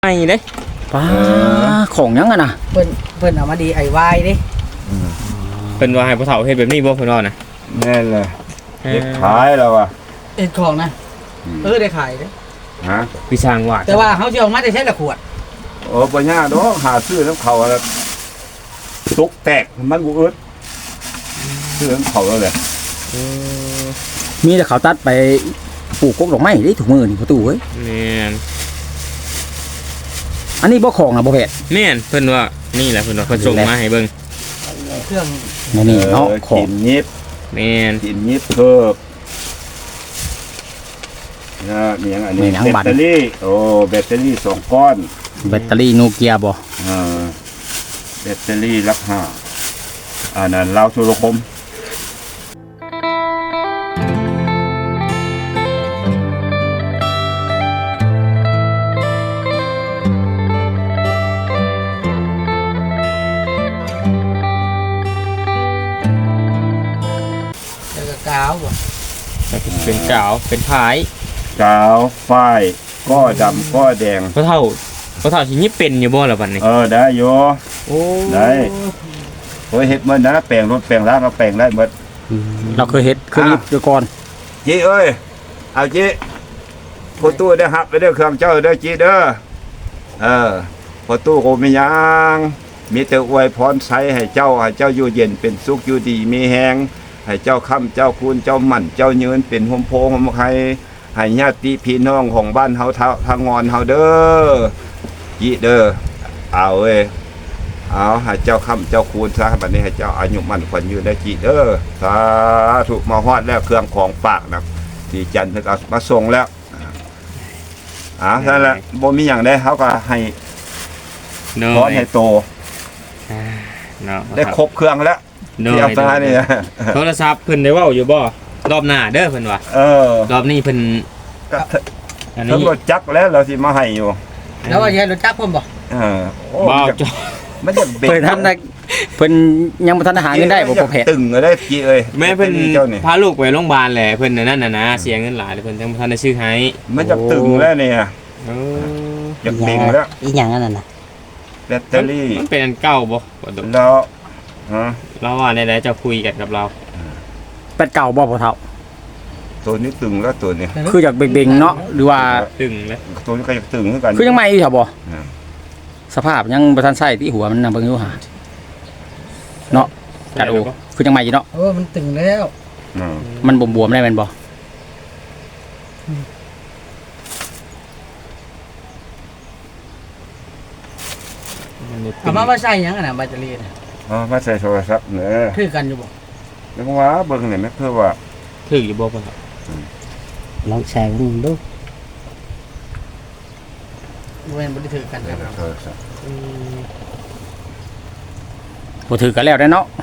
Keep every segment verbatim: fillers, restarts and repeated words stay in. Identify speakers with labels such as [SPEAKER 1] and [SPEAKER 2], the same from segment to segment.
[SPEAKER 1] ไอ้เด้
[SPEAKER 2] ป้าของยังอะนะ
[SPEAKER 3] เพิ่นเพิ่นเอามาดีไอ้วายดิ
[SPEAKER 1] เป็นว่าให้พ่อเฒ่าเฮ็ดแบบนี้บ่เพิ่นว่านะ
[SPEAKER 4] แน่เลยเฮ็ดขายแล้วว่ะ
[SPEAKER 3] เอ็ดของนะเออได้ขายเด้
[SPEAKER 4] ฮะ
[SPEAKER 1] พี่ช่างว่า
[SPEAKER 3] แต่ว่าเฮาสิเอามาได้ใช้ละขวด
[SPEAKER 4] โอ้บ่ยากดอกหาซื้อน้ำเขาแล้วตุกแตกมันบ่อึดซื้อน้ำเขาแล้วแหละ
[SPEAKER 2] มีแต่เขาตัดไปปลูกกกดอกไม้ได้ถูกมือนี่ประตูเว้ย
[SPEAKER 1] แม่น
[SPEAKER 2] อันนี้บ่ของนะบ่แพทย์
[SPEAKER 1] แม่นเพิ่นว่านี่แหละเพิ่นว่าเพิ่นส่งมาให้เบิ่ง
[SPEAKER 3] เครื่อง
[SPEAKER 2] นี่เนาะของ
[SPEAKER 4] ยิบ
[SPEAKER 1] แม่น
[SPEAKER 4] กินยิบเพิ่มนะมีอย่างอันนี้แบตเตอรี่โอ้แบตเตอรี่สองก้อน
[SPEAKER 2] แบตเตอรี่โนเกียบ่
[SPEAKER 4] อ่าแบตเตอรี่ราคาอันนั้นลาวโทรคม
[SPEAKER 3] กาวบ่
[SPEAKER 1] เป็นกาวเป็นพาย
[SPEAKER 4] กาวฝ้ายก้อดำก้อแดง
[SPEAKER 1] พ่อเฒ่าพ่อเฒ่าสิยิบเป็นอยู่บ่ล่ะบัดนี้
[SPEAKER 4] เออได้อยู่โอ้ได้โอ้ยเฮ็ดหมดนะแปลงรถแปลงร้านก็แปลงได้หมด
[SPEAKER 2] เราเคยเฮ็ดเคยยิบอยู่ก่อน
[SPEAKER 4] จีเอ้ยเอาจีพอตู้ได้ฮับไปเด้อเครื่องเจ้าเด้อจีเด้อเออพอตู้ก็มีหยังมีแต่อวยพรใช้ให้เจ้าให้เจ้าอยู่เย็นเป็นสุขอยู่ดีมีแฮงให้เจ้าค่ำเจ้าคูณเจ้าหมั่นเจ้ายืนเป็นโฮมโพโฮมไข่ให้ญาติพี่น้องของบ้านเฮาทางงอนเฮาเด้อจีเด้อเอาเว้ยเอาให้เจ้าค่ำเจ้าคูณซะบัดนี้ให้เจ้าอายุมั่นขวัญยืนได้จีเด้อสาธุมาฮอดแล้วเครื่องของฝากนะที่จันทร์เพิ่นเอามาส่งแล้วอ่านั่นแหละบ่มีหยังได้เฮาก็ให้พรให้โตได้ครบเครื่องแล้วที่เอาตานี่
[SPEAKER 1] โทรศัพท์เพิ่นได้เว้าอยู่บ่รอบหน้าเด้อเพิ่นว่า
[SPEAKER 4] เออ
[SPEAKER 1] รอบนี้เพิ่น
[SPEAKER 4] อันนี้รถจักรแล้วเราสิมาให้อยู่
[SPEAKER 3] แล้วว่าสิให้รถจักรผมบ่
[SPEAKER 4] เออ
[SPEAKER 1] บ่
[SPEAKER 4] มันจะเ
[SPEAKER 2] พิ่นทันได้เพิ่นยังบ่ทันหาเงินได้บ่พอแพทย์
[SPEAKER 4] ตึงได้จีเอ้ย
[SPEAKER 1] แม่เพิ่นพาลูกไปโรงพยาบาลแหละเพิ่นนั่นน่ะนะเสียเงินหลายเพิ่นยังบ่ทันได้ซื้อให้
[SPEAKER 4] มันจะตึงแล้วเนี่ย
[SPEAKER 1] เออ
[SPEAKER 4] อยากเบ่งแล้ว
[SPEAKER 3] อีหยังอันนั้นน่ะ
[SPEAKER 4] แบตเตอรี่
[SPEAKER 1] มันเป็นอันเก่าบ่
[SPEAKER 4] แล้วฮะ
[SPEAKER 1] เราว่าได้ๆจะคุยกันกับเรา
[SPEAKER 2] เป็ดเก่าบ่พ่อเฒ่า
[SPEAKER 4] ตัวนี้ตึงแล้วตัวนี้
[SPEAKER 2] คืออยากเบ่งๆเนาะหรือว่า
[SPEAKER 1] ตึงแล้ว
[SPEAKER 4] ตัวนี้ก็อยากตึงเหมือนกัน
[SPEAKER 2] คือยังใหม่อยู่ครับบ่สภาพยังบ่ทันใช้ที่หัวมันน่ะเบิ่งอยู่หาเนาะกัดโอคือยังใหม่อยู่เนาะ
[SPEAKER 3] เออมันตึงแล้ว
[SPEAKER 2] มันบวมๆได้แม่นบ่
[SPEAKER 3] เอามาว่าใส่หยังอ่ะน่ะแบตเตอรี่น่ะ
[SPEAKER 4] อ๋อมาใส่โทรศัพท์เด้อ
[SPEAKER 3] คือกันอยู่บ่
[SPEAKER 4] แล้วว่าเบิ่งนี่แม่เพื่อว่า
[SPEAKER 1] ถืออยู่บ่พ่อ
[SPEAKER 3] ลองแชร์ดูดูเว้นบ่ได้ถือกันครับอืม
[SPEAKER 2] บ่ถือกันแล้วได้เนาะ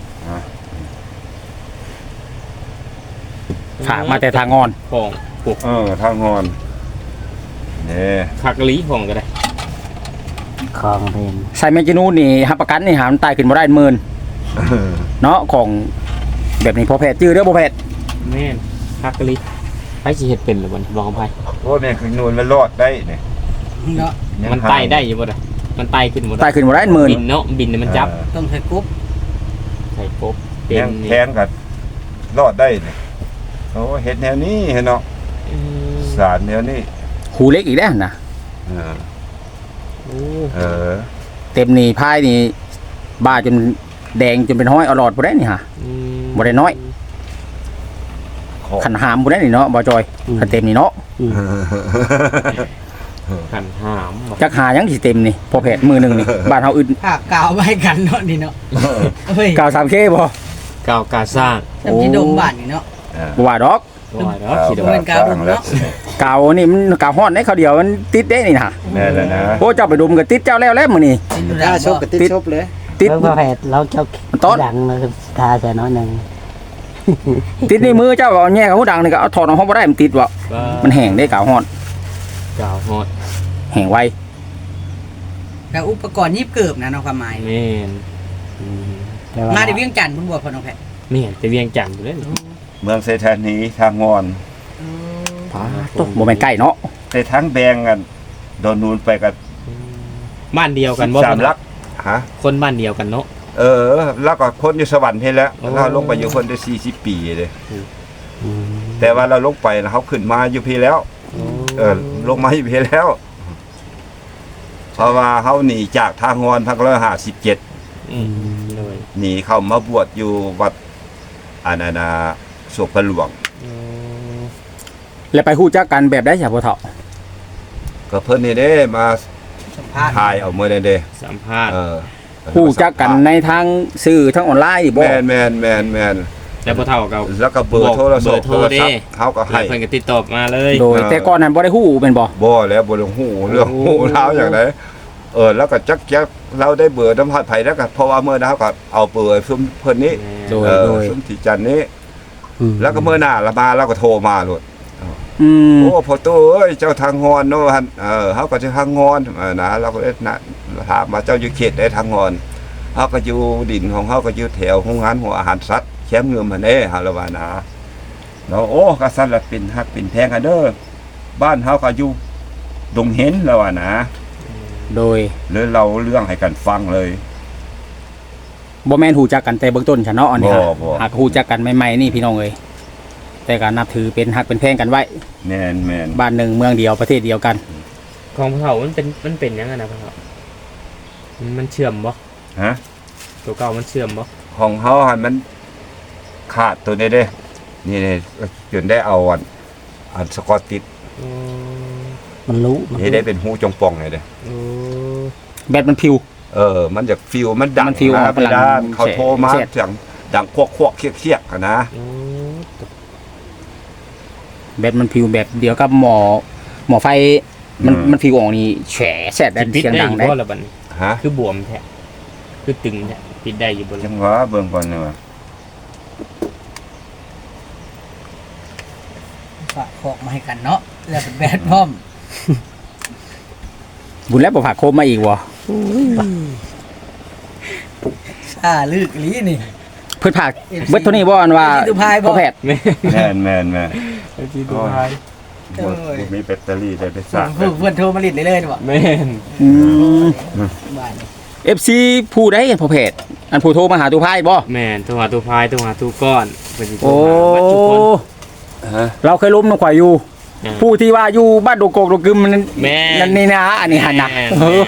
[SPEAKER 2] ฝากมาแต่ทางงอน
[SPEAKER 1] ของ
[SPEAKER 4] ปลูกเออทางงอนนี่
[SPEAKER 1] คักลีของก็ได้
[SPEAKER 2] ของเพิ่นใส่แมจินูนี่รับประกันนี่หามันตายขึ้นบ่ได้หมื่นเนาะของแบบนี้พอแพทย์จื้อเด้อบ่แพทย์
[SPEAKER 1] แม่นคักลีไผสิเฮ็ดเป็นหรือบ่บ่ของไผ
[SPEAKER 4] โอ้แม่คือนูนมันรอดได้นี่
[SPEAKER 3] เนาะ
[SPEAKER 1] มันไต่ได้อยู่บ่ล่ะมันไต่ขึ้นบ่ได้
[SPEAKER 2] ไต่ขึ้นบ่ได้หมื่น
[SPEAKER 1] บินเนาะบินนี่มันจับ
[SPEAKER 3] ต้องใส่กบ
[SPEAKER 1] ใส่กบ
[SPEAKER 4] เป็นแทงกันรอดได้นี่โอ้เฮ็ดแนวนี้เนาะสารแนวนี้
[SPEAKER 2] หูเล็กอีกแล้วนะ
[SPEAKER 4] เออเออ
[SPEAKER 2] เต็มนี่พายนี่บ้าจนแดงจนเป็นห้อยอรอดบ่ได้นี่ฮะบ่ได้น้อยขันหามบ่ได้นี่เนาะบ่จอยขันเต็มนี่เนาะ
[SPEAKER 1] ขันหาม
[SPEAKER 2] จักหายังสิเต็มนี่พอแพทย์มือนึงนี่บ้านเฮาอึด
[SPEAKER 3] ภาคกาวไว้กันเนาะนี่เนาะ
[SPEAKER 2] เฮ้ยกาว สาม เค บ่
[SPEAKER 1] กาวกาสร้าง
[SPEAKER 3] จำที่ดมบ้านนี่เนาะ
[SPEAKER 2] บ่ว่าดอก
[SPEAKER 1] บ่ว่าดอก
[SPEAKER 3] คิดว่าเป็นกาวดมเนาะ
[SPEAKER 2] กาวนี่มันกาวฮ้อนได้เขาเดียวมันติดได้นี่น่ะ
[SPEAKER 4] แน่แล้วนะ
[SPEAKER 2] โอ้เจ้าไปดมก็ติดเจ้าแล้วแล้วมื้อนี้
[SPEAKER 3] ถ้าชบก็ติดชบเลย
[SPEAKER 2] ติด
[SPEAKER 3] พอแพทย์เราเจ้าดังมาทาใส่น้อยนึง
[SPEAKER 2] ติดในมือเจ้าเอาแย่กับหูดังนี่ก็เอาถอดออกบ่ได้มันติดบ่มันแห้งได้กาวฮ้อน
[SPEAKER 1] กาวฮ้อน
[SPEAKER 2] แห้งไว
[SPEAKER 3] แล้วอุปกรณ์ยิบเกิบนะเนาะความหมาย
[SPEAKER 1] แม่น
[SPEAKER 3] มาได้เวียงจันทน์เพิ่นบ่พ่อน้องแพทย์
[SPEAKER 1] แม่นแต่เวียงจันทน์เด้อ
[SPEAKER 4] เมืองเซธานีทางงอน
[SPEAKER 2] พาตกบ่แม่นใกล้เนาะ
[SPEAKER 4] แต่ทั้งแบงกันโดนนูนไปกับ
[SPEAKER 1] บ้านเดียวกันบ่
[SPEAKER 4] สามลักฮะ
[SPEAKER 1] คนบ้านเดียวกันเนาะ
[SPEAKER 4] เออ แล้วก็คนอยู่สวรรค์เพแล้ว
[SPEAKER 1] โอ้
[SPEAKER 4] เราลงไปอยู่คนได้สี่สิบปีเลย
[SPEAKER 5] อืม
[SPEAKER 4] แต่ว่าเราลงไปนะเขาขึ้นมาอยู่พี่แล้ว เออลงมาอยู่พี่แล้ว เพราะว่าเขาหนีจากทางงอนพักร้อยห้าสิบเจ็ด
[SPEAKER 1] อืมเลย
[SPEAKER 4] หนีเข้ามาบวชอยู่วัดอานานาสุพรรณหลวง
[SPEAKER 1] อืม
[SPEAKER 2] แล้วไปฮู้จักกันแบบได้จ้ะพ่อเฒ่า
[SPEAKER 4] ก็เพิ่นนี่เด้มา
[SPEAKER 3] สัมภาษณ์
[SPEAKER 4] ถ่ายเอาเมื่อนี่เด้
[SPEAKER 1] สัมภาษณ์
[SPEAKER 4] เออ
[SPEAKER 2] ฮู้จักกันในทางสื่อทางออนไลน์นี่บ่
[SPEAKER 4] แมนแมนแมนแมน
[SPEAKER 1] แล้วพอเท่ากับ
[SPEAKER 4] แล้วก็เบอร์โทรศัพท์
[SPEAKER 1] เบอร์โทรเด้
[SPEAKER 4] เขาก็
[SPEAKER 1] ให้
[SPEAKER 4] ให้
[SPEAKER 1] เพิ่นก็ติดต่อมาเลย
[SPEAKER 2] โดยแต่ก่อนนั้นบ่ได้ฮู้เป็นบ่
[SPEAKER 4] บ่แล้วบ่ลงหูเรื่องหูเท้าอย่างไรเออแล้วก็จักจักเราได้เบอร์น้ำพัดไผ่แล้วก็เพราะว่าเมื่อนั้นเขาก็เอาเบอร์ซุมเพิ่นนี้
[SPEAKER 2] โดย
[SPEAKER 4] เออ
[SPEAKER 2] โดย
[SPEAKER 4] ซุมที่จันนี้
[SPEAKER 5] อืม
[SPEAKER 4] แล้วก็เมื่อหน้าละมาเราก็โทรมาโลด
[SPEAKER 2] อืม
[SPEAKER 4] โอ้พ่อตู้เอ้ยเจ้าทางงอนเนาะหั่นเออเฮาก็สิทางงอนเออนะเราก็เอ๊ะนะถามมาเจ้าอยู่เขตได้ทางงอนเฮาก็อยู่ดินของเฮาก็อยู่แถวโรงงานหัวอาหารสัตว์แคมป์เงิมหั่นเด้เฮาละว่านะเราโอ้ก็สั่นละเป็นฮักเป็นแพงกันเด้อบ้านเฮาก็อยู่ดงเห็นแล้วว่านะ
[SPEAKER 2] โดย
[SPEAKER 4] เลยเราเรื่องให้กันฟังเลย
[SPEAKER 2] บ่แม่นฮู้จักกันแต่เบื้องต้นซะเนาะอันนี้
[SPEAKER 4] บ่
[SPEAKER 2] ฮะ
[SPEAKER 4] บ่
[SPEAKER 2] หากฮู้จักกันใหม่ๆนี่พี่น้องเอ้ยแต่ก็นับถือเป็นฮักเป็นแพงกันไว้
[SPEAKER 4] แม่นแม่น
[SPEAKER 2] บ้านหนึ่งเมืองเดียวประเทศเดียวกัน
[SPEAKER 1] ของพอเท่ามันเป็นมันเป็นยังไงนะพอเท่ามันเชื่อมบ่
[SPEAKER 4] ฮะ
[SPEAKER 1] ตัวเก่ามันเชื่อมบ่
[SPEAKER 4] ของเฮาหันมันขาดตัวนี้เด้นี่นี่จนได้เอาอันอันสกอตติด
[SPEAKER 1] อืม
[SPEAKER 5] มันรู้มัน
[SPEAKER 4] นี่ได้เป็นหูจงป่องเลยเด้
[SPEAKER 1] โอ้
[SPEAKER 2] แบตมันพิว
[SPEAKER 4] เออ มันจะฟิวมันดัง
[SPEAKER 2] มันฟิว
[SPEAKER 4] นะ
[SPEAKER 2] ออก
[SPEAKER 4] ไป
[SPEAKER 2] พลัง
[SPEAKER 4] ด้านเขา
[SPEAKER 2] แฉะ
[SPEAKER 4] โทรมา
[SPEAKER 2] แฉะ
[SPEAKER 4] เสียงดังควกควกๆเคียกเคียกๆอะนะ
[SPEAKER 1] อืม
[SPEAKER 2] แบตมันพิวแบบเดียวกับหมอหมอไฟมันมันพิวออกนี่แฉะแฉะ
[SPEAKER 1] สิ
[SPEAKER 2] ดัน
[SPEAKER 1] ปิด
[SPEAKER 2] เสียง
[SPEAKER 1] ได้
[SPEAKER 2] ดัง
[SPEAKER 1] อยู่
[SPEAKER 2] ได้
[SPEAKER 1] บ่ละบัดนี้
[SPEAKER 4] ฮะ
[SPEAKER 1] คือบวมแท้คือตึงแท้ปิดได้อยู่บ่
[SPEAKER 4] จั
[SPEAKER 1] ล่ะ
[SPEAKER 4] งหวะเบิ่งก่อนเนาะ
[SPEAKER 3] ฝากของมาให้กันเนาะแล้วเป็นแบดพร้อม
[SPEAKER 2] บุญแล้วบ่ฝากโคมมาอีกบ่
[SPEAKER 3] ซ่าลึกอีหลีนี่
[SPEAKER 2] เพิ่นฝากเบิดเท่านี้บ่อันว่า
[SPEAKER 3] เอฟซีดูพายบ่
[SPEAKER 2] พ่อแพทย์
[SPEAKER 1] แม่
[SPEAKER 4] แม่นแม่นแม่น
[SPEAKER 1] ไอ้ที่ตัวท้าย
[SPEAKER 4] บ่บ่มีแบตเตอรี่ได้ไปสร้าง
[SPEAKER 3] เพิ่นเพิ่นโทรมาลิดเลยเลยบ่
[SPEAKER 1] แม่น
[SPEAKER 2] อืม
[SPEAKER 3] บ้านนี่
[SPEAKER 2] เอฟ ซี ผู้ใดพ่อแพทย์อันผู้โทรมาหาตู้พายบ่
[SPEAKER 1] แม่นตัวหาตัวพายตัวหาตัวก้อนเพิ่นสิโทร
[SPEAKER 2] โอ้
[SPEAKER 1] หาบัดทุกคน
[SPEAKER 4] ฮะ
[SPEAKER 2] เราเคยล้มนกข่อยอยู่
[SPEAKER 1] อ่า
[SPEAKER 2] ผู้ที่ว่าอยู่บ้านโดโกกโดกึมนั่น
[SPEAKER 1] แม่
[SPEAKER 2] นั่นนี่นะอันนี้หันนะ
[SPEAKER 1] แม่
[SPEAKER 2] เออ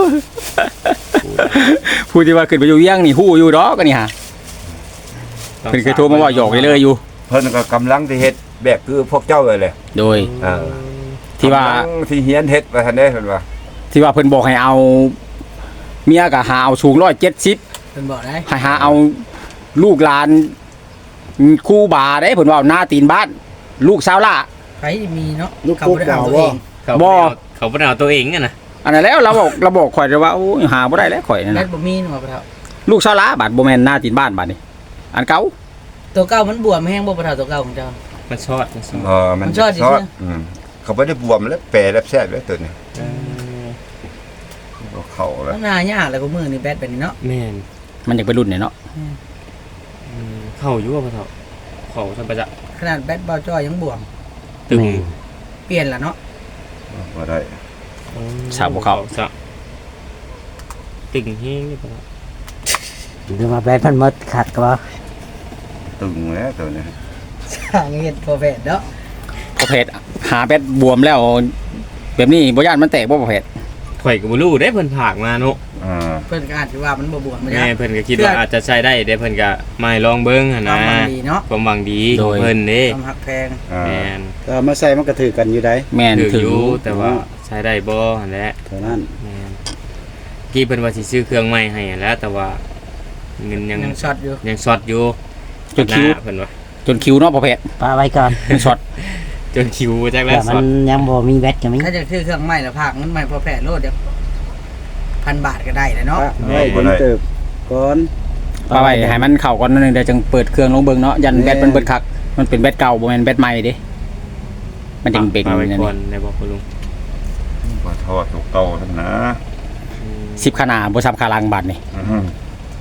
[SPEAKER 2] ผู้ที่ว่าขึ้นไปอยู่เวียงนี่ฮู้อยู่ดอกอันนี้ฮะเพิ่นเคยโทรมาว่าหยอกเลยๆอยู่
[SPEAKER 4] เพิ่นก็กำลังที่เฮ็ดแบบคือพวกเจ้าเลยแหละ
[SPEAKER 2] โดย
[SPEAKER 4] เออ
[SPEAKER 2] ที่ว่า
[SPEAKER 4] กำลังที่เฮียนเฮ็ดว่าซั่นเด้เพิ่นว่า
[SPEAKER 2] ที่ว่าเพิ่นบอกให้เอาเมียก็หาเอาสูงร้อยเจ็ดสิบ
[SPEAKER 3] เพิ่นบอกได้
[SPEAKER 2] ให้หาเอาลูกหลานครู่บาได้เพิ่นว่าหน้าตีนบ้าน ลูกสาวล่ะ
[SPEAKER 3] ใครมีเนาะ
[SPEAKER 5] ลูก
[SPEAKER 3] เขา
[SPEAKER 5] ปุ๊บ
[SPEAKER 3] บ่ได้
[SPEAKER 5] ดา
[SPEAKER 3] เอา
[SPEAKER 5] ว
[SPEAKER 3] ตัวเอ
[SPEAKER 5] ว่าง
[SPEAKER 1] เขา
[SPEAKER 2] บ่
[SPEAKER 1] บ่เอาเขาบ่ได้เอาตัวเองอะนะ
[SPEAKER 2] อันนั้นแล้วเราบอกเราบอกข่อยเลยว่าโอ้ยหาบ่ได้แล้วข่อยนั่น
[SPEAKER 3] แบ
[SPEAKER 2] น่ะ
[SPEAKER 3] ดบ่มีเนาะบ่เฒ่า
[SPEAKER 2] ลูกสาวล่ะบาดบ่แม่นหน้าตีนบ้านบาดนี่อันเก่า
[SPEAKER 3] ตัวเก่ามันบวมแห้งบ่บ่เฒ่าตัวเก่าของเจ้า
[SPEAKER 1] มันชอดมันชอด
[SPEAKER 4] เออมัน
[SPEAKER 3] มันชอบดิ
[SPEAKER 4] ชอบ
[SPEAKER 3] ใช่ไหม
[SPEAKER 4] อืมเขาบ่ได้บวมแล้วแปรแล้วแซ่บแล้วตัวนี้
[SPEAKER 1] เออ
[SPEAKER 4] ก็เข้าแล้ว
[SPEAKER 3] มันน่ายากแล้วก็มือนี่แบดแบบนี้เนาะ
[SPEAKER 1] แม่น
[SPEAKER 2] มันอยากไปรุ่นเนี่ยเนาะ
[SPEAKER 1] อืมเข้าอยู่ว่าพอเท่าเข้าซั่นประจะ
[SPEAKER 3] ขนาดแบดเบาจ้อยยังบวม
[SPEAKER 1] ตึง
[SPEAKER 5] แม่
[SPEAKER 3] เปลี่ยนละเนาะ
[SPEAKER 4] บ่ได้
[SPEAKER 2] สาวบ่เข้า
[SPEAKER 1] สาวตึงแฮงนี่พอเท่า
[SPEAKER 5] หรือมาแบนพันมดขัดก็ว่า
[SPEAKER 4] ตึงแล้วตัวนี้
[SPEAKER 3] สร้างเฮ็ดพอแพทย์เนาะ
[SPEAKER 2] ประเภทหาแบดบวมแล้ว แบบนี้บ่ย่านมันแตกบ่ประเภท
[SPEAKER 1] ข่อยก็บ่รู้เด้เพิ่นผากมาเนาะ
[SPEAKER 4] อ่า
[SPEAKER 3] เพิ่นก็อาจจะว่ามันบ่บวมมัน
[SPEAKER 1] แม่
[SPEAKER 3] ยาก
[SPEAKER 1] เพิ่นก็คิดว่าอาจจะใช้ได้เด้เพิ่นก็มาให้ลองเบิ่งหั่น
[SPEAKER 3] ควา
[SPEAKER 1] นะ
[SPEAKER 3] มหวังดีเนาะ
[SPEAKER 1] ความหวังดีของเพิ่นเด้
[SPEAKER 3] ความหักแพง
[SPEAKER 4] อ่า
[SPEAKER 1] แม่น
[SPEAKER 5] ก็มาใส่มันก็ถือกันอยู่ได้
[SPEAKER 2] แม่น
[SPEAKER 1] ถือ
[SPEAKER 2] ถื
[SPEAKER 1] อ
[SPEAKER 2] อยู่
[SPEAKER 1] แต่ว่าใช้ได้บ่หั่นแหละ
[SPEAKER 5] เท่านั้น
[SPEAKER 1] แม่นกี้เพิ่นว่าสิซื้อเครื่องใหม่ให้หั่นแหล้วแต่ว่าเงินยัง
[SPEAKER 3] ยังช็อตอยู่
[SPEAKER 1] ยังช็อตอยู่
[SPEAKER 2] จนคิว
[SPEAKER 1] หาเพิ่นว่า
[SPEAKER 2] จนคิวเนาะประเภท
[SPEAKER 5] ปาไว้ก่อน
[SPEAKER 2] มันช็อต
[SPEAKER 1] จนคิวจักแล้
[SPEAKER 5] แต่
[SPEAKER 1] ว
[SPEAKER 5] มั
[SPEAKER 1] ช็อน ต
[SPEAKER 5] ยังบ่มีแบตก็มี
[SPEAKER 3] ถ้าจะซื้อเครื่องใหม่แล้วภาคมันใหม่พอแพทย์โลดเดี๋ยวพันบาทก็ได้เลยเนาะ
[SPEAKER 5] ปะไว้เป็นเติบก่อน
[SPEAKER 2] ปาไว้ให้มันเข้าก่อนนิดนึงเดี๋ยวจึงเปิดเครื่องลงเบิ่งเนาะยันแบตมันเบิดคักมันเป็นแบตเก่าบ่แม่นแบตใหม่เด้มันจึงเป็น
[SPEAKER 1] มาไว้
[SPEAKER 2] นั่น
[SPEAKER 1] ก่อน
[SPEAKER 2] นี่
[SPEAKER 1] ได้บ่คุณลุง
[SPEAKER 4] บ่ทอดตัวเก่าทั้งนะ
[SPEAKER 1] อืม
[SPEAKER 2] สิบขนาดบ่ซับขาลังบาดนี่
[SPEAKER 4] อือ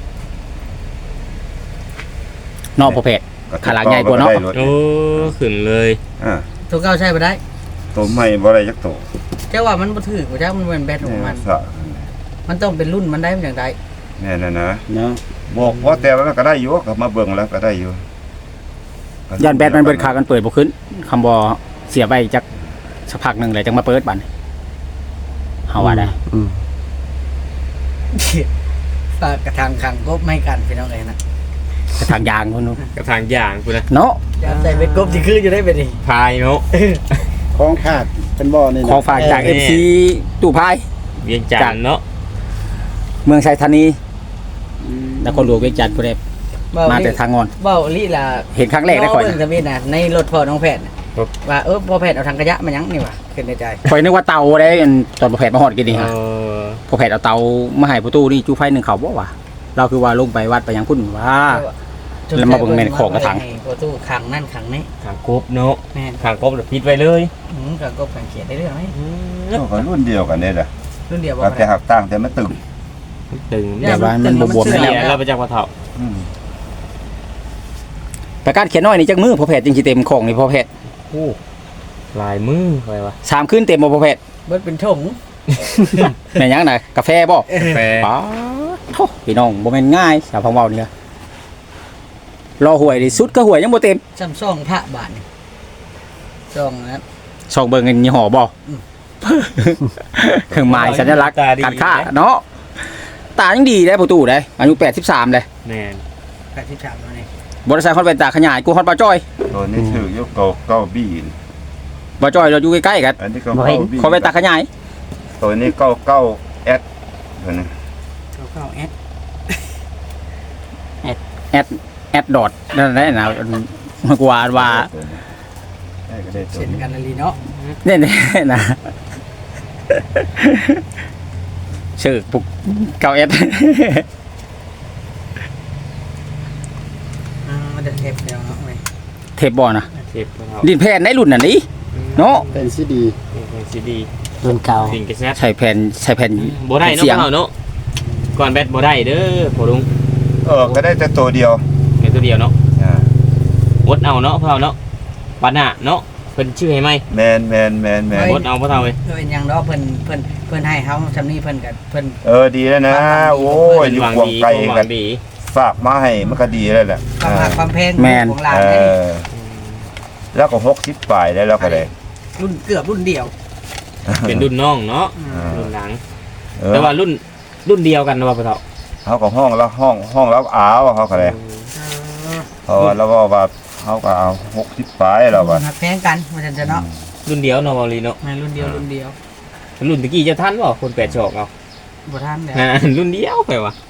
[SPEAKER 2] เนาะประเภท ขาหลังใหญ่กว่าเนาะ
[SPEAKER 1] โอ้ขึ้นเลย
[SPEAKER 4] อ่า
[SPEAKER 3] ตัวเก่าใช้บ่ได้
[SPEAKER 4] ตัวใหม่บ่ได้จักตัว
[SPEAKER 3] เจ้าว่ามันบ่ถือว่าเจ้ามันเป็นแบดของมัน
[SPEAKER 4] สะ
[SPEAKER 3] มันต้องเป็นรุ่นมันได้มันอย่างใด
[SPEAKER 4] แม่นั่นนะ
[SPEAKER 5] เนาะ
[SPEAKER 4] บอกว่าแต่ว่ามันก็ได้อยู่ก็มาเบิ่งแล้วก็ได้อยู่
[SPEAKER 2] ยันแบตมันเบิดขากันเปิดบ่ขึ้นคำบ่เสียไปจักสักพักหนึงเลยจังมาเปิดบัดนี้เฮาว่าได้
[SPEAKER 5] อืม
[SPEAKER 3] ฝากกระทางขังกบไม่กันพี่น้องเอ้ยนะ
[SPEAKER 2] กระทางยางพุ่นนู้น
[SPEAKER 1] กับทางอย่างพุ่นนะ
[SPEAKER 2] เนาะ
[SPEAKER 3] อย่าใส่เป็นกบสิคืออยู่ได้เป็นดิ
[SPEAKER 1] พายเนาะ
[SPEAKER 5] ของขาดเป็นบ่อนี่นะ
[SPEAKER 2] ของฝากจาก
[SPEAKER 1] เออ
[SPEAKER 2] เอฟ ซี ตู้พาย
[SPEAKER 1] เวียงจันทน์เนาะ
[SPEAKER 2] เมืองไชยธานีนครหลวงเวียงจันทน์พุ่นเด้มาแต่ทางงอน
[SPEAKER 3] เว้าลี่ล่ะ
[SPEAKER 2] เห็นครั้งแรกได้ข่อย
[SPEAKER 3] เบิ่ง
[SPEAKER 2] นะ
[SPEAKER 3] ทะเบียนน่ะในรถพ่อน้องแพทย์น่ะว่าเออพ่อแพทย์เอาถังขยะมาหยังนี่วะขึ้นในใจ
[SPEAKER 2] ข่อยนึกว่าเตาได้อันตอนบ่แผดมาฮอดกินนี่
[SPEAKER 1] เอ
[SPEAKER 2] ฮะ
[SPEAKER 1] อ
[SPEAKER 2] พอแผดเอาเตามาให้ประตูนี่จูไฟหนึงเขาบ่วะเราคือว่าลงไปวัดไปหยังพุ่นว่า แล้วมาเบิ่งแม่นของกระถาง
[SPEAKER 3] ให้ประตูขังนั่นขังนี้
[SPEAKER 1] ทางกบเนาะ
[SPEAKER 3] แม่น
[SPEAKER 1] ทางกบเดี๋ยวปิดไว้เลย
[SPEAKER 3] อืมขังกบขังเขียนได้เรื่องไหม
[SPEAKER 4] ก็รุ่นเดียวกันนี่แหละ
[SPEAKER 3] รุ่นเดียวบ่
[SPEAKER 4] แต่หักต่างแต่มันตึง
[SPEAKER 1] ตึง
[SPEAKER 2] แต่ว่ามันบวมๆ
[SPEAKER 1] เสี
[SPEAKER 2] ได้
[SPEAKER 1] ย
[SPEAKER 2] แล้ว
[SPEAKER 1] เราไปจากกระเถา
[SPEAKER 4] อืม
[SPEAKER 2] ประกาศเขียนน้อยนี่จักมือพอแผดจริงสิเต็มของนี่พอแผด
[SPEAKER 1] โอ้ลายมือไปวะ
[SPEAKER 2] สามคืนเต็มบ่พอแผด
[SPEAKER 3] เบิดเป็นถง
[SPEAKER 2] แม่นหยังน่ะกาแฟบ่
[SPEAKER 1] แฟ
[SPEAKER 2] ป๋าโธ่พี่น้องบ่แม่นง่ายสาวพังเว้านี่ล่ะรอหวยดิสุดก็หวยยังบ่เต็ม
[SPEAKER 3] ซ้ำซ่องพระบาทนี่ซ่องนะ
[SPEAKER 2] ซองเบิ่งเงินยี่ห้อบ่
[SPEAKER 3] อืม
[SPEAKER 2] เครื่องหมายสัญลักษณ์การค้าเนาะตายังดีได้ประตูได้อายุแปดสิบสามเลย
[SPEAKER 1] แม่น
[SPEAKER 3] แปดสิบสามแล้วนี่
[SPEAKER 2] บริษัทฮอดเป็นตาขยายกูฮอดบ่จ้อย
[SPEAKER 4] ตัวนี้ชื่อยกเก้าเก้าบีน
[SPEAKER 2] บ่จ้อยเราอยู่ใกล้ๆกัน
[SPEAKER 4] อันนี้ก็เก้าบี
[SPEAKER 2] ขอเป็นตาขยาย
[SPEAKER 4] ตัวนี้เก้าเก้าแอดตัวนี้
[SPEAKER 3] เขาเข้าแอด
[SPEAKER 2] แอดแอดดอทนั่นแหละนะกว่าว่า
[SPEAKER 4] ตัวนี้ได้ก็ได้ตัว
[SPEAKER 3] เช่น
[SPEAKER 4] นี้
[SPEAKER 3] กันนาลีเนาะ
[SPEAKER 2] เนี่ยๆนะชื่อปุกเก้าเอส
[SPEAKER 3] อ่ามันจะเทปเดียวเนาะเว้ย
[SPEAKER 2] เทปบ่นะ
[SPEAKER 1] เทปกระเถา
[SPEAKER 2] ดินแผ่นในรุ่นน่ะนี่เนาะ
[SPEAKER 5] เป็นซีดี
[SPEAKER 1] เป็นซีดี
[SPEAKER 5] รุ่นเก่า
[SPEAKER 1] สิงกระแซบ
[SPEAKER 2] ใช้แผ่นใช้แผ่น
[SPEAKER 1] บ่ได้เนาะ
[SPEAKER 2] เสียง
[SPEAKER 1] กระเถาเนาะก่อนแบตบ่ได้เด้อพ่อลุง
[SPEAKER 4] เออก็ได้แต่ตัวเดียว
[SPEAKER 1] แค่ตัวเดียวเนาะ
[SPEAKER 4] อ่า
[SPEAKER 1] อดเอาเนาะพ่อเฒ่าเนาะปานน่ะเนาะเพิ่นชื่อให้ไหม
[SPEAKER 4] แมนแมนแมนแมน
[SPEAKER 1] อดเอาพ่อเฒ่าเว้ย
[SPEAKER 3] เอออย่างเนาะเพิ่นเพิ่นเพิ่นให้เฮาซำนี้เพิ่นก็เพิ่น
[SPEAKER 4] เออดีแล้วนะ โอ้ยอยู่
[SPEAKER 1] หวัง
[SPEAKER 4] ควง
[SPEAKER 1] ดี
[SPEAKER 4] ไกล
[SPEAKER 1] หวั
[SPEAKER 4] กัน
[SPEAKER 1] งดี
[SPEAKER 4] ฝากมาให้มันก็ดีแล้วแหละ
[SPEAKER 3] ความหักความแพง
[SPEAKER 2] แม่น
[SPEAKER 3] ของหลาน
[SPEAKER 4] เอ
[SPEAKER 3] ได้
[SPEAKER 4] อแล้วก็หกสิบปลายได้แล้วก็ได้
[SPEAKER 3] รุ่นเกือบรุ่นเดียว
[SPEAKER 1] เป็นรุ่นน้องเนาะ
[SPEAKER 4] อ่า
[SPEAKER 1] รุ่นหลัง
[SPEAKER 4] เออ
[SPEAKER 1] แต่ว่ารุ่นรุ่นเดียวกันนะว่าพ่อเฒ่า
[SPEAKER 4] เขาก็ห้องแล้วห้องห้องแล้วอ้าวเขาก็เลยเพราะว่าแล้วก็ว่าเขาก็เอาหกสิบปลายแล้วว่า
[SPEAKER 3] หักแพงกันว่าซั่นจะเนาะ
[SPEAKER 1] รุ่นเดียวเนาะบอลีเนาะ
[SPEAKER 3] แม่นรุ่นเดียวรุ่นเดียว
[SPEAKER 1] รุ่นตะกี้จะทันบ่คนแปดศอกเอา
[SPEAKER 3] บ่ทันแล้ว
[SPEAKER 1] อ่ารุ่นเดียวไปวะ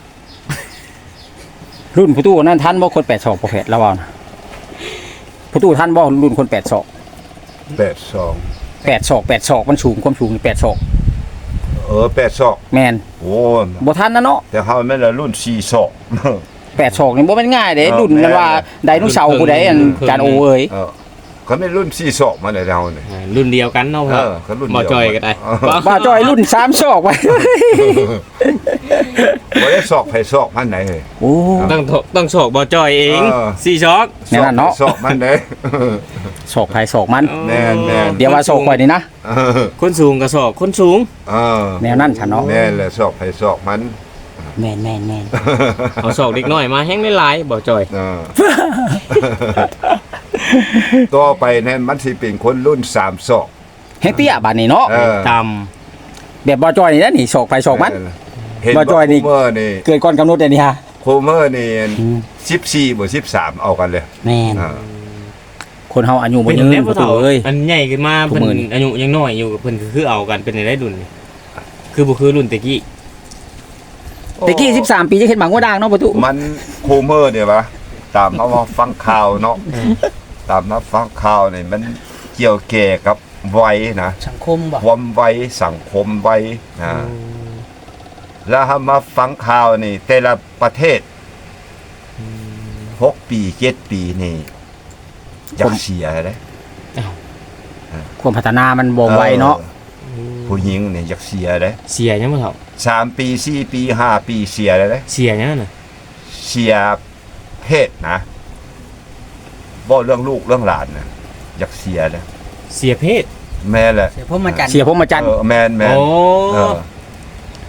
[SPEAKER 2] รุ่นผู้ตู้นั่นทันบ่คนแปดศอกบ่แผดแล้วว่านะผู้ตู้ทันบ่รุ่นคนแปดศอก
[SPEAKER 4] แปดสอง
[SPEAKER 2] แปดศอกแปดศอกมันสูงความสูงแปดศอก
[SPEAKER 4] เออแปดสอง
[SPEAKER 2] แม่น
[SPEAKER 4] โอ้
[SPEAKER 2] บ่ทันนะเนาะ
[SPEAKER 4] แต่เขาไม่ละรุ่นสี่สอง
[SPEAKER 2] แปดศอกนี่บ่แม่นง่ายเด้
[SPEAKER 4] เออ
[SPEAKER 2] รุ่นนั้นว่า
[SPEAKER 4] แม่น
[SPEAKER 2] ไดโนเสาร์ผู้ใดอันจานโอเอ้ย
[SPEAKER 4] เออเขาไม่รุ่นสี่สองมาเลยเราเนี่ย
[SPEAKER 1] อ่ารุ่นเดียวกันเนาะ
[SPEAKER 4] เอ
[SPEAKER 1] พ่อ
[SPEAKER 4] อเขารุ่น
[SPEAKER 1] บ่
[SPEAKER 4] เดียว
[SPEAKER 1] จอยก็ได้
[SPEAKER 4] เออ
[SPEAKER 2] ว่าจ้อยรุ่นสามศอกไว้
[SPEAKER 4] บ่ได้สอกไผสอกมันไหนเฮ้ย
[SPEAKER 2] โอ้
[SPEAKER 1] ต้องถต้องศอกบ่จอยเอง
[SPEAKER 4] เออ
[SPEAKER 1] สี่ศอก
[SPEAKER 2] แน่นอนเนาะ
[SPEAKER 4] สอกมันไหน
[SPEAKER 2] ศอกไผศอกมัน
[SPEAKER 4] แม่นแม่น
[SPEAKER 2] เดี๋ยวว่าศอกข่อยนี่นะ
[SPEAKER 4] เออ
[SPEAKER 1] คนสูงกับศอกคนสูง
[SPEAKER 4] เออ
[SPEAKER 2] แนวนั้นฉันเนาะ
[SPEAKER 4] แม่นแหละสอกไผสอกมัน
[SPEAKER 5] แม่นแม่นแม่น
[SPEAKER 1] เอาศอกเด็กน้อยมาแห้งหลายๆบ่จอย
[SPEAKER 4] เออ ต่อไปเนี่ยมันสิเป็นคนรุ่นสามศอก
[SPEAKER 2] แฮงเตี้ยบาดนี้เนาะ
[SPEAKER 4] เออ
[SPEAKER 1] ต่
[SPEAKER 2] แบบบ่จ้อยนี่นะนี่ศอกไผศอกมัน
[SPEAKER 4] เห็น
[SPEAKER 2] บ่
[SPEAKER 4] ว่า
[SPEAKER 2] จอยนี่
[SPEAKER 4] โคเมอร์นี่
[SPEAKER 2] เกิดก่อนกำหนดเลยนี่ฮะ
[SPEAKER 4] โคเมอร์นี่สิบสี่บวกสิบสามเอากันเลย
[SPEAKER 5] แม่น
[SPEAKER 4] อ่า
[SPEAKER 2] คนเฮาอายุ
[SPEAKER 1] ำ
[SPEAKER 2] บ่
[SPEAKER 1] เป็น
[SPEAKER 2] ยืน
[SPEAKER 1] แน่
[SPEAKER 2] ป
[SPEAKER 1] พ่อ
[SPEAKER 2] ระตู
[SPEAKER 1] เฒ่า
[SPEAKER 2] เอ้ย
[SPEAKER 1] อันใหญ่ขึ้นมา
[SPEAKER 2] ผู้
[SPEAKER 1] เพิ่น
[SPEAKER 2] มื้อนี่
[SPEAKER 1] อายุยังน้อยอยู่เพิ่นคือเอากันเป็นในได้รุ่นนี่คือบ่คือรุ่นตะกี้
[SPEAKER 2] ตะกี้สิบสามปีจะเห็นหมังว่าด่างเนาะประตู
[SPEAKER 4] มันโคเมอร์เนี่ยวะตามมาว่าฟังข่าวเนาะตามมาฟังข่าวนี่มันเกี่ยวแก่กับวัยนะ
[SPEAKER 3] สังคมบ่
[SPEAKER 4] ความวัยสังคมวัยนะแล้วถ้ามาฟังข่าวนี่ แต่ละประเทศหกปีเจ็ดปีนี่อยากเสียเลย
[SPEAKER 2] ความพัฒนามันบ่ไวเนาะ
[SPEAKER 4] ออผู้หญิงเนี่ยอยากเสียเลย
[SPEAKER 1] เสียยังพ่อเฒ่า
[SPEAKER 4] สามปีสี่ปีห้าปีเสียเลย
[SPEAKER 1] เสียยังน่ะ
[SPEAKER 4] เสียเพศนะบ่เรื่องลูกเรื่องหลานนะอยากเสียเลย
[SPEAKER 1] เสียเพศ
[SPEAKER 4] แม่แหละ
[SPEAKER 3] เสียพรหมจันทร์
[SPEAKER 2] เสียผมมาจันทร์
[SPEAKER 4] เออแม่นแม่น
[SPEAKER 1] โอ้
[SPEAKER 4] เออ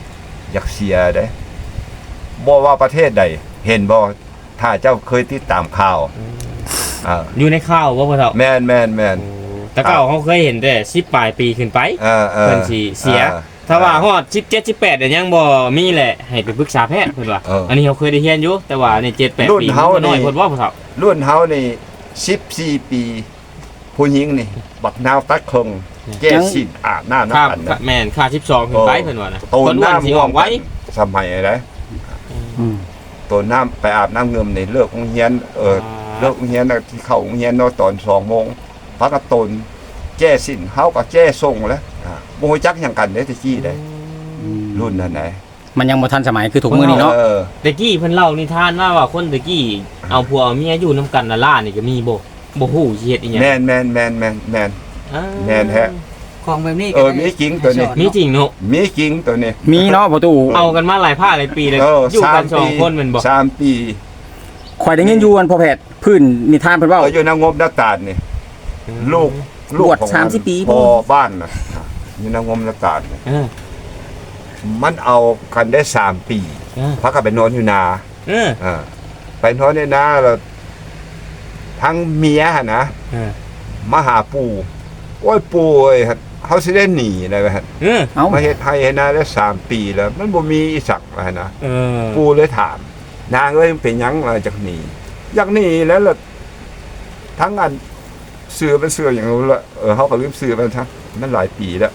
[SPEAKER 4] อยากเสียเด้บ่ว่าประเทศใดเห็นบ่ถ้าเจ้าเคยติดตามข่าวอ่า
[SPEAKER 1] อยู่ในข่าวบ่พ่อเฒ่า
[SPEAKER 4] แม่นแม่นแม่น
[SPEAKER 1] แต่เก่าเขาเคยเห็นแต่สิบปลายปีขึ้นไป
[SPEAKER 4] เออเออ
[SPEAKER 1] เพิ่นสิเสีย
[SPEAKER 4] ออ
[SPEAKER 1] ถ้าว่าฮอดสิบเจ็ด สิบแปดเนี่ยยังบ่มีแหละให้ไปปรึกษาแพทย์เพิ่นว่า
[SPEAKER 4] เอออั
[SPEAKER 1] อันนี้เขาเคยได้เรียนอยู่แต่ว่าในเจ็ด แปด
[SPEAKER 4] รุ่น
[SPEAKER 1] ปี
[SPEAKER 4] เฮา
[SPEAKER 1] มันก็น้อย
[SPEAKER 4] นี่
[SPEAKER 1] เพิ่นว่าพ่อเฒ่า
[SPEAKER 4] รุ่นเฮานี่สิบสี่ปี ผู้หญิงนี่ บักนาวตักคงแก้สินอาบน้ำ
[SPEAKER 1] ค่า
[SPEAKER 4] น้ำกันนะ
[SPEAKER 1] แม่นค่าสิบสองขึ้นไปเพิ่นว่านะ
[SPEAKER 4] โต
[SPEAKER 1] คนอ้วนสิ
[SPEAKER 4] น้ำ
[SPEAKER 1] ออกไว้
[SPEAKER 4] สมัยอะไร
[SPEAKER 2] อืม
[SPEAKER 4] โตน้ำไปอาบน้ำเงิมในเลิกโรงเรียนเออเลิกโรงเรียนน่ะที่เข้าโรงเรียนเนาะตอนสองโมงพักกระตนแจ้สินเฮาก็แจ้ส่งแล้วอ่าบ่ฮู้จักหยังกันเด้แตะกี้ได้รุ่นนั้นไหน
[SPEAKER 2] มันยังบ่ทันสมัยคือถุงมือนี่เนาะ
[SPEAKER 4] เออ
[SPEAKER 1] ตะกี้เพิ่นเล่านิทานว่าว่าคนตะกี้เอาผัวเอาเมียอยู่นํกันน่ะล่านี่ก็มีบ่บ่ฮู้สิเฮ็ดอีหยัง
[SPEAKER 4] แม่นแม่นแม่นแม่นแม่น
[SPEAKER 1] อ่า
[SPEAKER 4] แม่นแท้
[SPEAKER 3] ของแบบนี้
[SPEAKER 4] เออมีจริงตัวนี้
[SPEAKER 1] มีจริงเนาะ
[SPEAKER 4] มีจริงตัวนี้
[SPEAKER 2] มีเนาะประตู
[SPEAKER 1] เอากันมาหลายภาคหลายปีเลย
[SPEAKER 4] เออ
[SPEAKER 1] อยู่กัน
[SPEAKER 4] สาม
[SPEAKER 1] สอง
[SPEAKER 4] ปี
[SPEAKER 1] คนแม่นบ่
[SPEAKER 4] สามปี
[SPEAKER 2] ข่อยได้ยินอยู่อันพ่อแพทย์พื้นนิทานเพิ่นเว้า
[SPEAKER 4] เอออยู่นางบนาตาลนี่ลูกลูก
[SPEAKER 2] บวช
[SPEAKER 4] ของ
[SPEAKER 2] สามสิบปี
[SPEAKER 4] พอบ้านน่ะอยู่นางบนาตาลนี่
[SPEAKER 1] เออ
[SPEAKER 4] มันเอากันได้สามปี
[SPEAKER 1] เออ
[SPEAKER 4] พักกันไปนอนอยู่นา
[SPEAKER 1] เออ
[SPEAKER 4] เออไปนอนในนาแล้วทั้งเมียหั่นนะ
[SPEAKER 1] เออ
[SPEAKER 4] มาหาปู่โอ้ยปู่เอ้ยเขาสิได้หนีได้ไหมฮะ
[SPEAKER 1] เออ
[SPEAKER 2] เอ้า
[SPEAKER 4] มาเฮ็ดให้ให้นาได้สามปีแล้ว มันบ่มีอีสักว่าหั่นนะ
[SPEAKER 1] เออ
[SPEAKER 4] ปู่เลยถาม นางเอ้ยมันเป็นหยังมาจากหนีอยากหนีแล้วล่ะทั้งอันเสือเป็นเสืออย่างนู้นละเออเขาก็ลืมเสือไปทั้งมันหลายปีแล้ว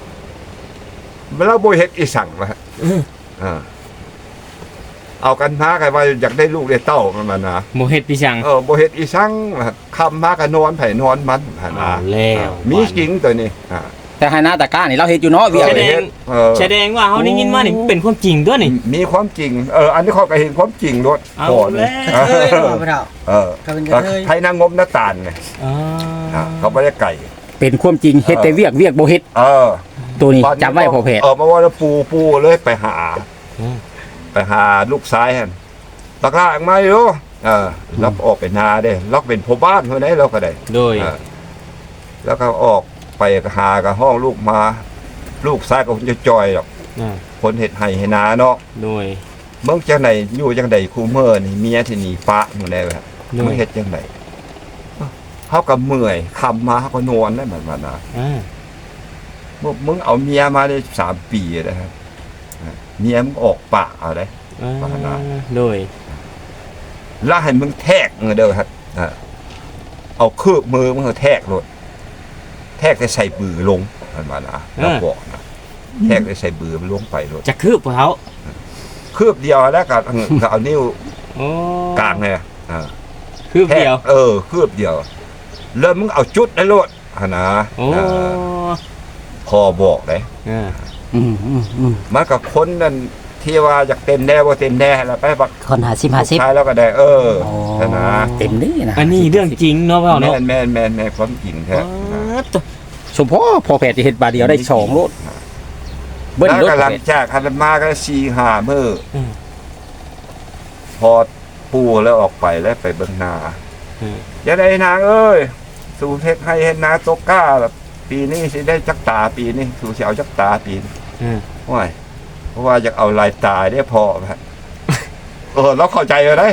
[SPEAKER 4] แล้วบ่เฮ็ดอีสังว่าฮะ
[SPEAKER 1] เออ
[SPEAKER 4] เออเอากันมากันว่าอยากได้ลูกได้เต้ามันมานะ
[SPEAKER 1] บ่เฮ็ดพี่ชัง
[SPEAKER 4] เออบ่เฮ็ดอีสังว่าฮะคำมากันนอนไผนอนมันหั่นนะ
[SPEAKER 1] เอาแล้ว
[SPEAKER 4] มีจริงตัวนี้อ่า
[SPEAKER 2] แต่ให้หน้าตะกร้านี่เราเฮ็ดอยู่เนาะเวียก
[SPEAKER 1] แสดง
[SPEAKER 4] เออ
[SPEAKER 1] แสดงว่าเฮาได้ยินมานี่เป็นความจริงด้วยนี่
[SPEAKER 4] มีความจริง เออ อันนี้เขาก็เห็นความจริงด้วย
[SPEAKER 1] เอา
[SPEAKER 4] ก่อน
[SPEAKER 1] แล้ว
[SPEAKER 3] กระเทยบ่พ่อเฒ่า
[SPEAKER 4] เออ
[SPEAKER 3] ก็เป็นกระเทย
[SPEAKER 4] ไทยนางงมหน้าตาลไง
[SPEAKER 1] อ่า
[SPEAKER 4] อ่าเขาไม่ได้ไก่
[SPEAKER 2] เป็นความจริงเฮ็ดแต่เวียกเวียกบ่เฮ็ด
[SPEAKER 4] เออ
[SPEAKER 2] ตัวนี้จำไว้พ่อแพทย์
[SPEAKER 4] เออมาว่าแล้วปูปูเลยไปหา
[SPEAKER 1] อืม
[SPEAKER 4] ไปหาลูกซ้ายฮะบักลาออกมาอยู่เออแล้วออกไปนาได้ล็อกเป็นพ่อบ้านเท่านั้นเราก็ได้
[SPEAKER 1] โดย
[SPEAKER 4] เออแล้วก็ออกไปหากับห้องลูกมา ลูกซ้ายก็คงจะจอยหรอก
[SPEAKER 1] อ่า
[SPEAKER 4] คนเห็ดไห้ให้นาเนาะ
[SPEAKER 1] โดย
[SPEAKER 4] เมืองจังไหนอยู่จังใดคูเมอร์นี่เมียที่หนีฟ้าหมดแล้วฮะ
[SPEAKER 1] โด
[SPEAKER 4] มึ
[SPEAKER 1] ย
[SPEAKER 4] งเฮ็ดจังไดเขาก็เมื่อยคำมาเขาก็นอนได้เหมือนกันนะ
[SPEAKER 1] อ่า
[SPEAKER 4] มึงมึงเอาเมียมาได้สามปีแล้วครับเมียมึงออกปากเอาได้
[SPEAKER 1] อ่า
[SPEAKER 4] ปานา
[SPEAKER 1] โดย
[SPEAKER 4] แล้วให้มึงแทกเงเด้อครับอ่าเอาคืบมือมึงเอาแทกโลดแทกได้ใส่บือลงมันมานะแล้วบอกนะแทกได้ใส่บือมันลงไปโลด
[SPEAKER 1] จะคืบบ่เฮา
[SPEAKER 4] คืบเดียวแล้วก็ก็เอานิ้ว
[SPEAKER 1] โอ้
[SPEAKER 4] กลางเนี่ยอ่า
[SPEAKER 1] คืบเดียว
[SPEAKER 4] แทกเออคืบเดียวแล้วมึงเอาจุดได้โลดหั่นนะ
[SPEAKER 1] โอ้
[SPEAKER 4] อ่าพอบอกเลย
[SPEAKER 1] อ่า
[SPEAKER 2] อืมอืมอืม
[SPEAKER 4] มันกับคนนั่นที่ว่าอยากเต็มแน่บ่เต็มแน่แล้วไปบัก
[SPEAKER 5] คนหาสิบหาสิบ
[SPEAKER 4] ท้ายแล้วก็ได้ เออ
[SPEAKER 2] โอ้
[SPEAKER 4] นะ
[SPEAKER 2] เต็มนี่นะ
[SPEAKER 1] อันนี้เรื่องจริงเนาะพ่อ
[SPEAKER 4] แม่
[SPEAKER 1] เนาะ
[SPEAKER 4] นแม่นแม่นแม่นความจริงแท้
[SPEAKER 1] อ๋อตัว
[SPEAKER 2] สมพ่อพ่อแพทย์จะเฮ็ดบาทเดียวได้สองโลดเบิ้ล
[SPEAKER 4] แล้ว
[SPEAKER 2] รถ
[SPEAKER 4] ก็ห
[SPEAKER 2] พ่อ
[SPEAKER 4] ลัง
[SPEAKER 2] แพทย์
[SPEAKER 4] จากคันมาก็สี่ห้ามื้อ
[SPEAKER 1] อืม
[SPEAKER 4] พอปูแล้วออกไปแล้วไปเบิ่งนา
[SPEAKER 1] อืม
[SPEAKER 4] อย่าได้นางเอ้ยสู่เฮ็ดให้เฮ็ดนาตกกล้าแบบปีนี้สิได้จักตาปีนี้สู่สิเอาจักตาปีนี้
[SPEAKER 1] อืม
[SPEAKER 4] โอ้ยเพราะว่าอยากเอาลายตายได้พอฮะเออเราเข้าใจเลยได้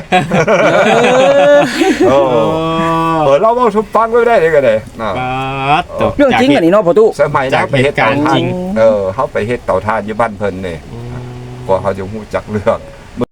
[SPEAKER 4] เอ
[SPEAKER 1] โอ้
[SPEAKER 4] อเออเราเอาสุฟังไว้ได้เลยก็ได้อ่า
[SPEAKER 1] ปาดตัว
[SPEAKER 2] เรื่องจริงอันนี้เนาะพ่อตู้
[SPEAKER 4] สมัยนั้นไปเฮ็ดเตา
[SPEAKER 1] จากเหตุการณ์
[SPEAKER 4] ถ่า
[SPEAKER 1] จริ
[SPEAKER 4] น
[SPEAKER 1] ง
[SPEAKER 4] เออเขาไปเฮ็ดเตาถ่านอยู่บ้านเพิ่นนี่
[SPEAKER 1] อืม
[SPEAKER 4] ก็เขาจะฮู้จักเรื่อง